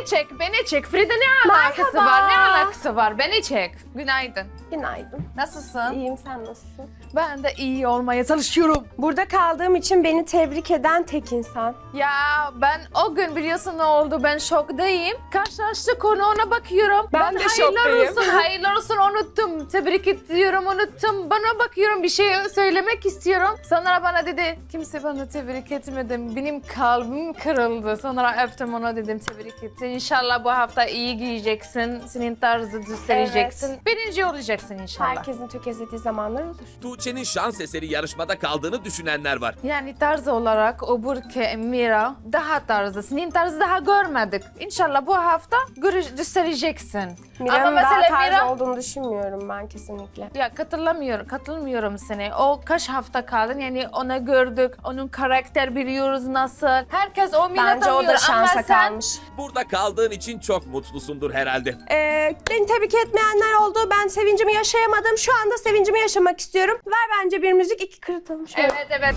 beni çek. Frida ne alakası Merhaba. var, ne alakası var? Beni çek. Günaydın. Günaydın. Nasılsın? İyiyim, sen nasılsın? Ben de iyi olmaya çalışıyorum. Burada kaldığım için beni tebrik eden tek insan. Ya ben o gün biliyorsun ne oldu? Ben şoktayım. Karşılaştık konu ona bakıyorum. Ben de hayırlar şoktayım. olsun, hayırlar olsun unuttum. Tebrik ediyorum unuttum. Bana bakıyorum bir şey söylemek istiyorum. Sonra bana dedi kimse bana tebrik etmedi. Benim kalbim kırıldı. Sonra öptüm ona dedim tebrik ettin. İnşallah bu hafta iyi giyeceksin. Senin tarzı göstereceksin. Birinci olacaksın inşallah. Herkesin tökezlediği zamanlar olur. Tuğçe'nin şans eseri yarışmada kaldığını düşünenler var. Yani tarz olarak o Burke, Mira daha tarzı. Senin tarzı daha görmedik. İnşallah bu hafta göstereceksin. Mira'nın daha tarz olduğunu düşünmüyorum ben kesinlikle. Ya katılmıyorum seni. O kaç hafta kaldın yani onu gördük. Onun karakter biliyoruz nasıl. Herkes o Mira Bence o tanıyor da şansa ama sen... kalmış. Burada kaldığın için çok mutlusundur herhalde. Beni tebrik etmeyenler oldu. Ben sevincimi yaşayamadım. Şu anda sevincimi yaşamak istiyorum. Ver bence bir müzik, iki kırıtalım şöyle. Evet.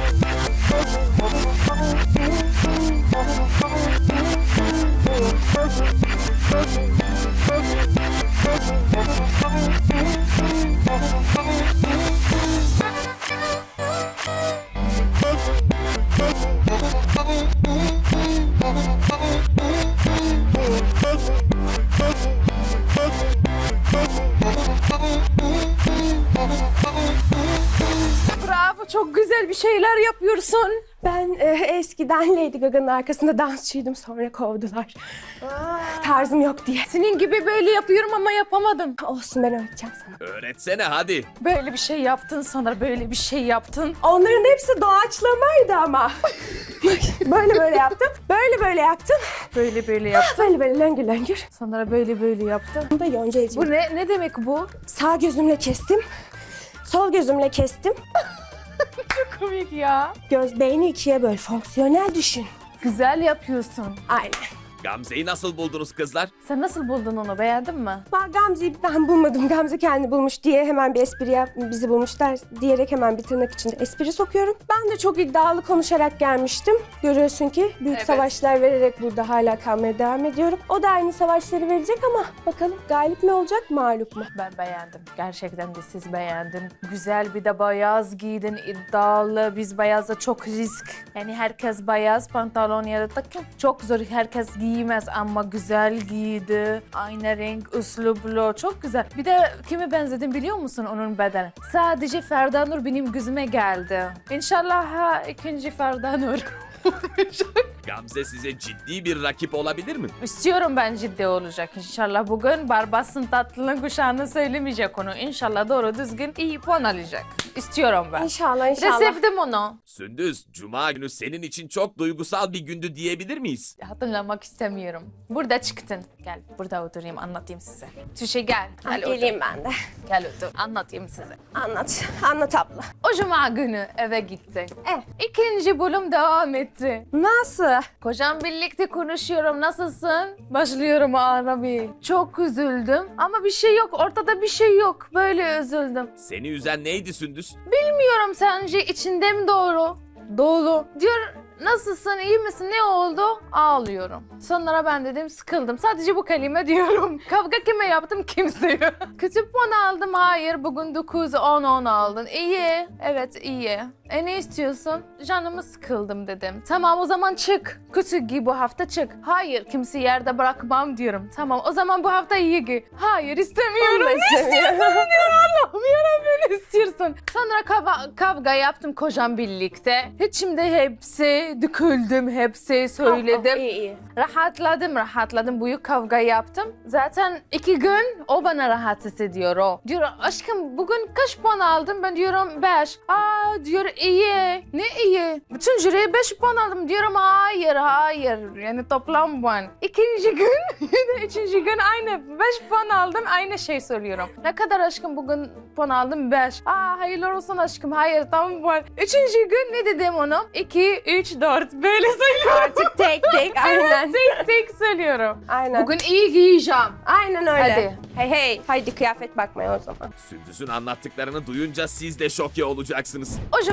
Bravo, çok güzel bir şeyler yapıyorsun. Ben eskiden Lady Gaga'nın arkasında dansçıydım. Sonra kovdular. Tarzım yok diye. Senin gibi böyle yapıyorum ama yapamadım. Olsun, ben öğreteceğim sana. Öğretsene hadi. Böyle bir şey yaptın, sonra böyle bir şey yaptın. Onların hepsi doğaçlamaydı ama. böyle yaptım. Böyle yaptım. Böyle yaptın. Böyle löngür löngür. Sonra böyle yaptın. Bu da Yonca Evcim. Bu ne demek bu? Sağ gözümle kestim. Sol gözümle kestim. Çok komik ya. Beyni ikiye böl. Fonksiyonel düşün. Güzel yapıyorsun. Aynen. Gamze'yi nasıl buldunuz kızlar? Sen nasıl buldun onu? Beğendin mi? Gamze'yi ben bulmadım. Gamze kendi bulmuş diye hemen bir espri bizi bulmuşlar diyerek hemen bir tırnak içinde espri sokuyorum. Ben de çok iddialı konuşarak gelmiştim. Görüyorsun ki büyük Evet. savaşlar vererek burada hala kalmaya devam ediyorum. O da aynı savaşları verecek ama bakalım galip mi olacak, mağlup mu? Ben beğendim. Gerçekten de siz beğendim. Güzel bir de beyaz giydin, iddialı. Biz beyazda çok risk. Yani herkes beyaz pantolon ya da takım. Çok zor herkes giymez ama güzel giydi. Aynı renk, üslublu. Çok güzel. Bir de kime benzedim biliyor musun onun bedeni? Sadece Ferda Nur benim gözüme geldi. İnşallah ikinci Ferda Nur. Gamze size ciddi bir rakip olabilir mi? İstiyorum ben ciddi olacak inşallah. Bugün Barbas'ın tatlının kuşağını söylemeyecek onu. İnşallah doğru düzgün iyi puan alacak. İstiyorum ben. İnşallah, Bir de inşallah. sevdim onu. Sündüz, Cuma günü senin için çok duygusal bir gündü diyebilir miyiz? Hatırlamak istemiyorum. Burada çıktın. Gel burada oturayım anlatayım size. Tüşe gel. Gel otur. Geleyim ben de. Gel otur. Anlatayım size. Anlat abla. O cuma günü eve gitti. Evet. İkinci bölüm devam etti. Nasıl? Kocam birlikte konuşuyorum. Nasılsın? Başlıyorum ağlamaya. Çok üzüldüm ama bir şey yok. Ortada bir şey yok. Böyle üzüldüm. Seni üzen neydi Sündüz? Bilmiyorum sence içinde mi doğru? Dolu. Diyor nasılsın, iyi misin, ne oldu? Ağlıyorum. Sonra ben dedim sıkıldım. Sadece bu kelime diyorum. Kavga kime yaptım? Kimseye. Kötü puan aldım. Hayır. Bugün 9, 10 aldın. İyi. Evet iyi. Ne istiyorsun? Canımı sıkıldım dedim. Tamam o zaman çık. Kötü giy bu hafta çık. Hayır kimse yerde bırakmam diyorum. Tamam o zaman bu hafta iyi giy. Hayır istemiyorum. Ne istiyorsun diyor Allah'ım yarabbim ne istiyorsun? Sonra kavga yaptım kocam birlikte. İçimde hepsi döküldüm hepsi söyledim. İyi. Rahatladım. Büyük kavga yaptım. Zaten 2 gün o bana rahatsız ediyor o. Diyor aşkım bugün kaç puan aldın? Ben diyorum 5. Diyor iyi. Ne iyi? Bütün jüriye 5 puan aldım. Diyorum hayır. Yani toplam puan. İkinci gün, üçüncü gün aynı 5 puan aldım. Aynı şey söylüyorum. Ne kadar aşkım bugün puan aldım? 5. Hayırlar olsun aşkım. Hayır tam puan. Üçüncü gün ne dedim onu? 2, 3, 4. Böyle söylüyorum. Artık tek aynen. Tek söylüyorum. Aynen. Bugün iyi giyeceğim. Aynen öyle. Hadi. Hey. Haydi kıyafet bakmaya o zaman. Sündüz'ün anlattıklarını duyunca siz de şoke olacaksınız. O cuma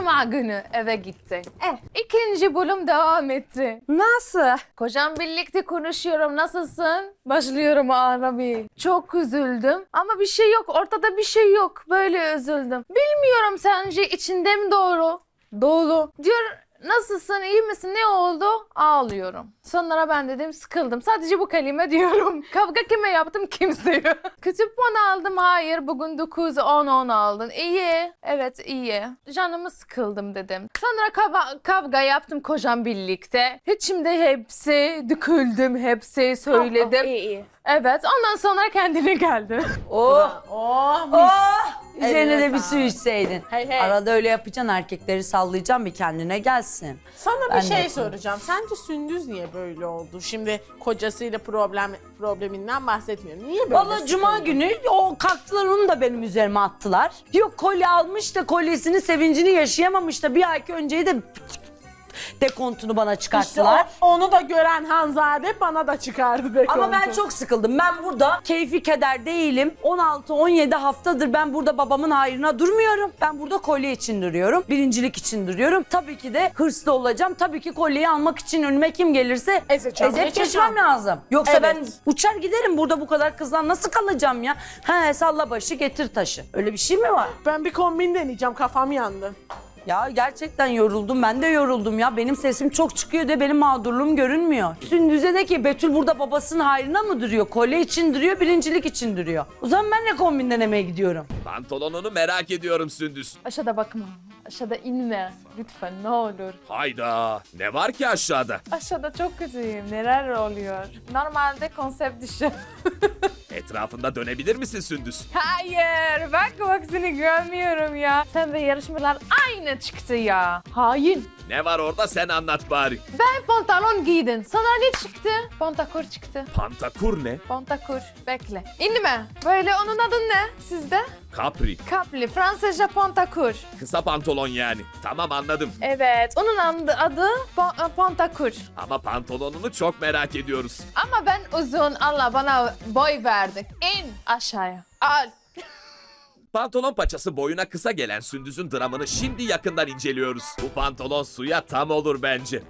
Cuma günü eve gitti. İkinci bölüm devam etti. Nasıl? Kocam birlikte konuşuyorum. Nasılsın? Başlıyorum Arabi. Çok üzüldüm. Ama bir şey yok. Ortada bir şey yok. Böyle üzüldüm. Bilmiyorum sence içinde mi doğru? Dolu. Diyor nasılsın? İyi misin? Ne oldu? Ağlıyorum. Sonra ben dedim sıkıldım. Sadece bu kelime diyorum. Kavga kime yaptım? Kimseye. Kötü puan aldım. Hayır. Bugün 9, 10, 10 aldın. İyi. Evet iyi. Canımı sıkıldım dedim. Sonra kavga yaptım kocam birlikte. İçimde hepsi döküldüm. Hepsi söyledim. İyi. Evet. Ondan sonra kendine geldi. Oh, Oh mis. oh. Üzerine Eline de bir su sağlık. içseydin. Hey, hey. Arada öyle yapacaksın, erkekleri sallayacaksın, bir kendine gelsin. Sana Ben bir de şey yaparım. soracağım. Sence Sündüz niye böyle oldu? Şimdi kocasıyla probleminden bahsetmiyorum. Niye böyle? Valla cuma sıkıldı? günü o kalktılar, onu da benim üzerime attılar. Yok kolye almış da kolyesinin sevincini yaşayamamış da bir ay önceyi de dekontunu bana İşte çıkarttılar. onu da gören Hanzade bana da çıkardı be Ama ben kontu. çok sıkıldım. Ben burada keyfi keder değilim. 16-17 haftadır ben burada babamın hayrına durmuyorum. Ben burada kolye için duruyorum. Birincilik için duruyorum. Tabii ki de hırslı olacağım. Tabii ki kolyeyi almak için önüme kim gelirse Ezeceğim, ezip geçeceğim. geçmem lazım. Yoksa Evet. ben uçar giderim, burada bu kadar kızdan nasıl kalacağım ya? He, salla başı getir taşı. Öyle bir şey mi var? Ben bir kombin deneyeceğim, kafam yandı. Ya gerçekten yoruldum. Ben de yoruldum ya. Benim sesim çok çıkıyor de benim mağdurluğum görünmüyor. Sündüz'e de ki Betül burada babasının hayrına mı duruyor? Kolye için duruyor, birincilik için duruyor. O zaman ben de kombin denemeye gidiyorum. Pantolonunu merak ediyorum Sündüz. Aşağıda bakma. Aşağıda inme. Lütfen ne olur. Hayda. Ne var ki aşağıda? Aşağıda çok kötüyüm. Neler oluyor? Normalde konsept dışı. Etrafında dönebilir misin Sündüz? Hayır. Bak seni görmüyorum ya. Sen de yarışmalar aynı çıktı ya. Hain. Ne var orada sen anlat bari. Ben pantolon giydin. Sana ne çıktı? Pantakur çıktı. Pantakur ne? Pantakur. Bekle. İnme. Böyle onun adı ne sizde? Capri. Kapli. Fransızca pantakur. Kısa pantolon yani. Tamam anladım. Evet. Onun adı pantakur. Ama pantolonunu çok merak ediyoruz. Ama ben uzun. Allah bana boy verdi. İn aşağıya. Al. Pantolon paçası boyuna kısa gelen Sündüz'ün dramını şimdi yakından inceliyoruz. Bu pantolon suya tam olur bence.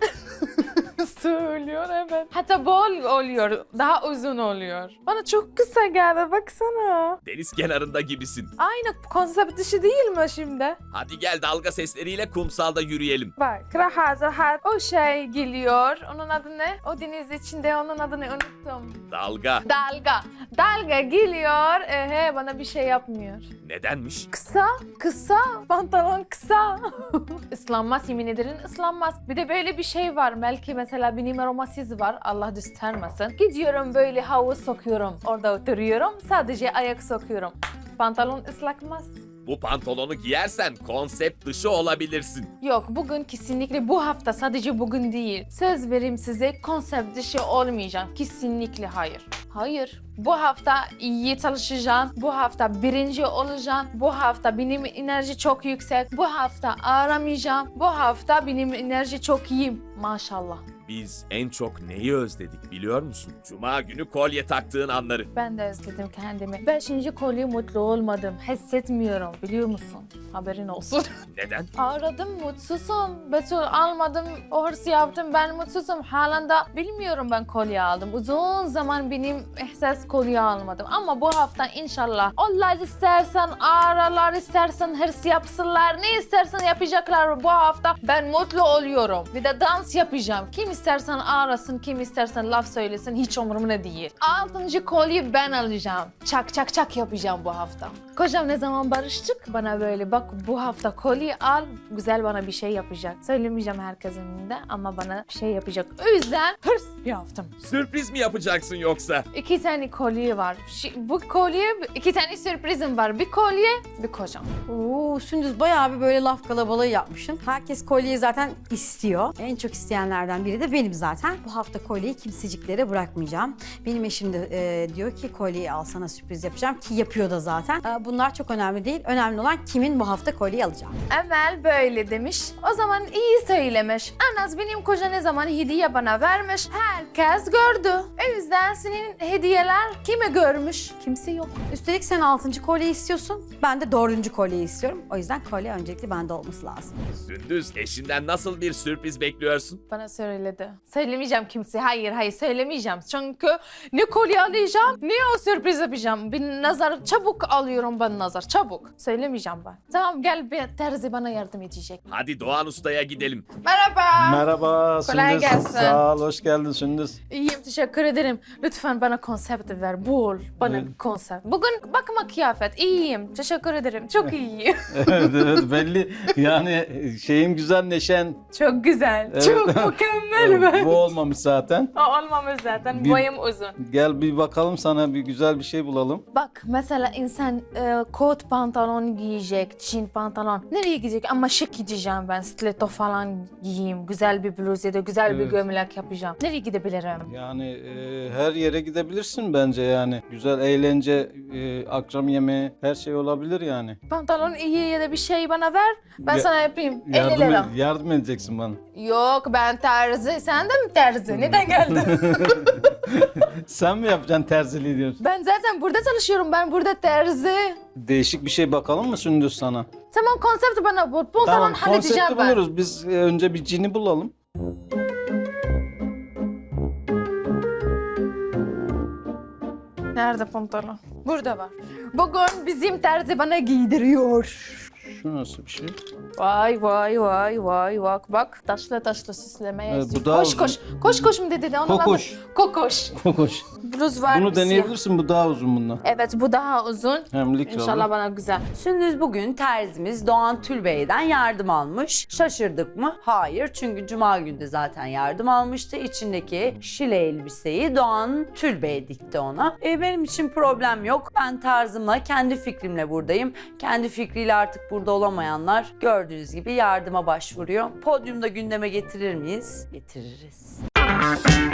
Söylüyor evet. Hatta bol oluyor. Daha uzun oluyor. Bana çok kısa geldi baksana. Deniz kenarında gibisin. Aynı konsept dışı değil mi şimdi? Hadi gel dalga sesleriyle kumsalda yürüyelim. Bak rahat o şey geliyor. Onun adı ne? O deniz içinde onun adını unuttum. Dalga. Dalga. Dalga geliyor. Bana bir şey yapmıyor. Nedenmiş? Kısa. Pantolon kısa. Islanmaz yemin ederim ıslanmaz. Bir de böyle bir şey var. Belki mesela benim aromasız var. Allah göstermesin. Gidiyorum böyle havuz sokuyorum. Orada oturuyorum. Sadece ayak sokuyorum. Pantolon ıslakmaz. Bu pantolonu giyersen konsept dışı olabilirsin. Yok bugün kesinlikle bu hafta sadece bugün değil. Söz vereyim size konsept dışı olmayacağım. Kesinlikle hayır. Hayır. Bu hafta iyi çalışacağım. Bu hafta birinci olacağım. Bu hafta benim enerji çok yüksek. Bu hafta aramayacağım. Bu hafta benim enerji çok iyi. Maşallah. Biz en çok neyi özledik biliyor musun? Cuma günü kolye taktığın anları. Ben de özledim kendimi. 5. kolye mutlu olmadım. Hissetmiyorum biliyor musun? Haberin olsun. Neden? Aradım mutsuzum. Betül almadım. O hırsı yaptım. Ben mutsuzum. Halen de bilmiyorum ben kolye aldım. Uzun zaman benim ihsas kolye almadım. Ama bu hafta inşallah onlar istersen aralar istersen hırs yapsınlar. Ne istersen yapacaklar bu hafta. Ben mutlu oluyorum. Bir de dans yapacağım. Kim istersen arasın, kim istersen laf söylesin. Hiç umurumda değil. 6. kolye ben alacağım. Çak çak çak yapacağım bu hafta. Kocam ne zaman barıştık bana böyle bak bu hafta kolye al güzel bana bir şey yapacak. Söylemeyeceğim herkesin önünde ama bana bir şey yapacak. O yüzden hırs yaptım. Sürpriz mi yapacaksın yoksa? 2 tane kolye var. Bu kolye 2 tane sürprizim var. Bir kolye bir kocam. Oo, Sündüz bayağı bir böyle laf kalabalığı yapmışsın. Herkes kolyeyi zaten istiyor. En çok isteyenlerden biri de benim zaten. Bu hafta kolyeyi kimseciklere bırakmayacağım. Benim eşim de diyor ki kolyeyi al sana sürpriz yapacağım ki yapıyor da zaten. Bunlar çok önemli değil. Önemli olan kimin bu hafta kolyeyi alacağı. Emel böyle demiş. O zaman iyi söylemiş. En az benim koca ne zaman hediye bana vermiş. Herkes gördü. O yüzden senin hediyeler kime görmüş? Kimse yok. Üstelik sen 6. kolye istiyorsun. Ben de 4. kolyeyi istiyorum. O yüzden kolye öncelikli bende olması lazım. Sündüz, eşinden nasıl bir sürpriz bekliyorsun? Bana söyledi. Söylemeyeceğim kimseye. Hayır söylemeyeceğim. Çünkü ne kolye alacağım ne o sürpriz yapacağım. Bir nazar çabuk alıyorum ben nazar. Çabuk. Söylemeyeceğim ben. Tamam gel bir terzi bana yardım edecek. Hadi Doğan Usta'ya gidelim. Merhaba. Merhaba Kolay Sündüz. gelsin. Sağ ol, hoş geldin Sündüz. İyiyim teşekkür ederim. Lütfen bana konsept ver. Bul bana Evet. bir konsept. Bugün bakma kıyafet. İyiyim. Teşekkür ederim. Çok iyiyim. evet belli. Yani şeyin güzel, neşen. Çok güzel. Evet. Çok mükemmel ben. Bu olmamış zaten. O olmamış zaten. Bir- Boyum uzun. Gel bir bakalım, sana bir güzel bir şey bulalım. Bak mesela insan kot pantolon giyecek, jean pantolon. Nereye gidecek? Ama şık gideceğim ben. Stiletto falan giyeyim. Güzel bir bluz ya da güzel bir Evet. gömlek yapacağım. Nereye gidebilirim? Yani her yere gidebilirsin bence yani. Güzel eğlence, akşam yemeği, her şey olabilir yani. Pantolon iyi ya da bir şey bana ver. Ben Ya- sana yapayım. 50 lira. Yardım edeceksin bana. Yok ben terzi. Sen de mi terzi? Neden geldin? Sen mi yapacaksın terziliği diyorsun? Ben zaten burada çalışıyorum. Ben burada terzi. Değişik bir şey bakalım mı Sündüz sana? Tamam konsept bana bul. Pantolon Tamam, halledeceğim konsepti ben. buluruz. Biz önce bir cini bulalım. Nerede pantolon? Burada var. Bugün bizim terzi bana giydiriyor. Şu nasıl bir şey? Vay bak taşlı süslemeye. Evet, bu daha koş uzun. koş mu dedi de onun Kokoş. adı- Kokoş. Kokoş. Bluz var Bunu bir siyah. deneyebilirsin, bu daha uzun bundan. Evet bu daha uzun. Hem likralı. İnşallah bana güzel. Sündüz bugün terzimiz Doğan Tülbey'den yardım almış. Şaşırdık mı? Hayır. Çünkü cuma günü de zaten yardım almıştı. İçindeki şile elbiseyi Doğan Tülbey dikti ona. Benim için problem yok. Ben tarzımla, kendi fikrimle buradayım. Kendi fikriyle artık burada olamayanlar gördüğünüz gibi yardıma başvuruyor. Podyumda gündeme getirir miyiz? Getiririz.